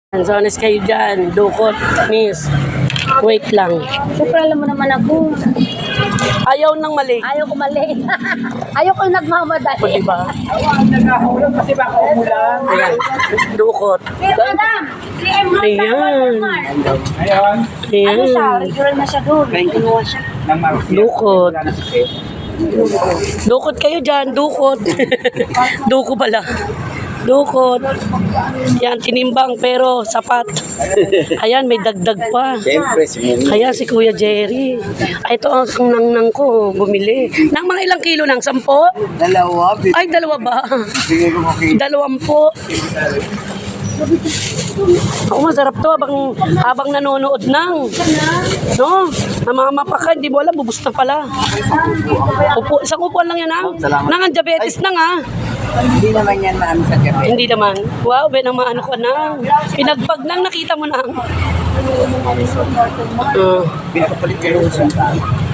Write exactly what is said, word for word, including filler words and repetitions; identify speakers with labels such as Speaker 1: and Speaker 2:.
Speaker 1: So, honest kayo dyan. Dukot, miss. Wait lang.
Speaker 2: Siyempre, alam mo naman ako.
Speaker 1: Ayaw nang mali.
Speaker 2: Ayaw ko mali. Ayaw ko
Speaker 1: O,
Speaker 2: nagmamadali.
Speaker 1: diba?
Speaker 3: Nagkakahulog kasi baka umulan.
Speaker 1: Ayan. Dukot.
Speaker 2: Si Madam, si Emma
Speaker 1: Ayan.
Speaker 3: Ngayon,
Speaker 1: Ayan.
Speaker 2: Ano siya? Regular na siya doon. Kinuha siya.
Speaker 3: ng Marcia.
Speaker 1: Dukot.
Speaker 3: Wala na si Pep.
Speaker 1: Dukot kayo dyan. Dukot. Duko pala. Dukot. Yan, tinimbang pero sapat. Ayan, may dagdag pa.
Speaker 4: Siyempre, si Mumi.
Speaker 1: Kaya si Kuya Jerry. Ay, ito ang nang-nang ko bumili. Nang mga ilang kilo nang? Sampo?
Speaker 4: Dalawa,
Speaker 1: Ay, dalawa ba?
Speaker 4: bigay ko kay
Speaker 1: Dalawampu. Oo, masarap to habang, habang nanonood ng. No? Namamapa ka, hindi mo alam, bubus na pala. Upo, isang upuan lang yan, ha?
Speaker 4: Salamat.
Speaker 1: Nang ang diabetes nang, ha?
Speaker 4: Hindi naman yan maano sa gabi.
Speaker 1: Hindi naman. Wow, ben ang maano ko nang. Pinagpag nang nakita mo nang. Uh,
Speaker 4: Pinapapalit ko yung